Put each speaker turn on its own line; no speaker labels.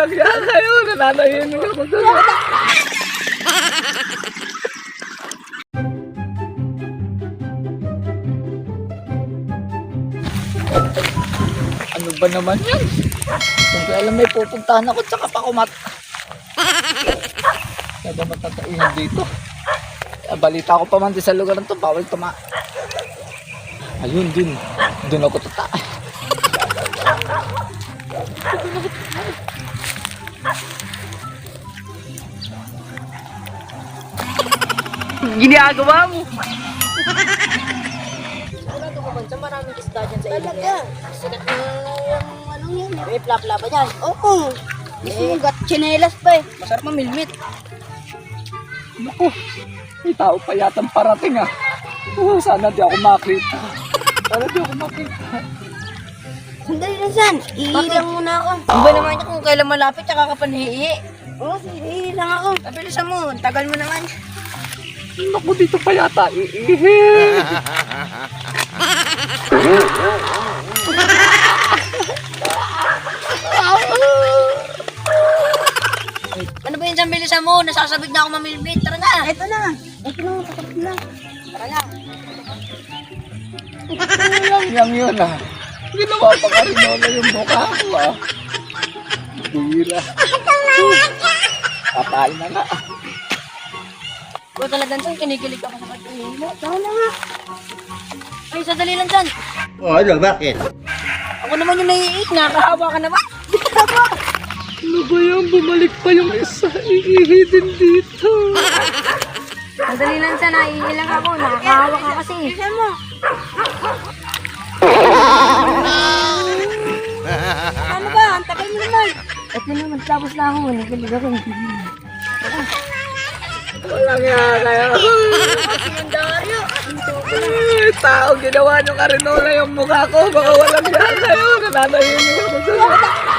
walang yan kayo. Nananahinig ako doon. Ano ba naman yan? Kung kaya alam may pupuntahan ako tsaka pa kumat. Kaya ba matatainan dito? Balita ko pa man din sa lugar na to, bawal tuma. Ayun din, doon ako tata. Ginagawa mo.
Wala ito kabansa, maraming isda dyan sa ilog na yan. Sikat na yung ano yan. May plapla ba dyan? Oo. Mismo gat chinelas pa eh. Masarap mamilmit.
Naku, may tao pa yatang parating ah. Sana di ako makita. Sana di ako makita.
Sandali lang san. Iilang muna ako. Ang ba naman niya kung kailan malapit tsaka ka panhihi? Oo, iilang ako. Pabilisan mo, tagal mo naman.
Naku, dito pa yata iihi.
Ano ba yun sa bilisan mo? Nasasabig na ako mamilmit. Tara na. Ito na. Ito na, kasabig na. Tara na.
Yang yun ah. Ginawa pa ka rin yung mukha ko ah. Bira. Patay na nga.
Kung talagang saan, kinikilig ako sa pagkain mo. Tara na nga. Ay, sadali lang dyan.
Oh, ano, bakit?
Ako naman yung naiiik. Nakakahawa ka naman.
Ano ba yan? Bumalik pa yung isa. Iihi din dito.
Sadali lang dyan, naiilang ako. Nakakahawa ka kasi. Bilisan mo. Ano ba? Ang tagal mo naman. Ito naman, tapos na ako. Nagkilig ako.
Walang yan kayo.
Sinandaryo.
Ay, tao, ginawa nyo karinola yung mukha ko. Baka walang yan kayo. Nananahinig ako doon.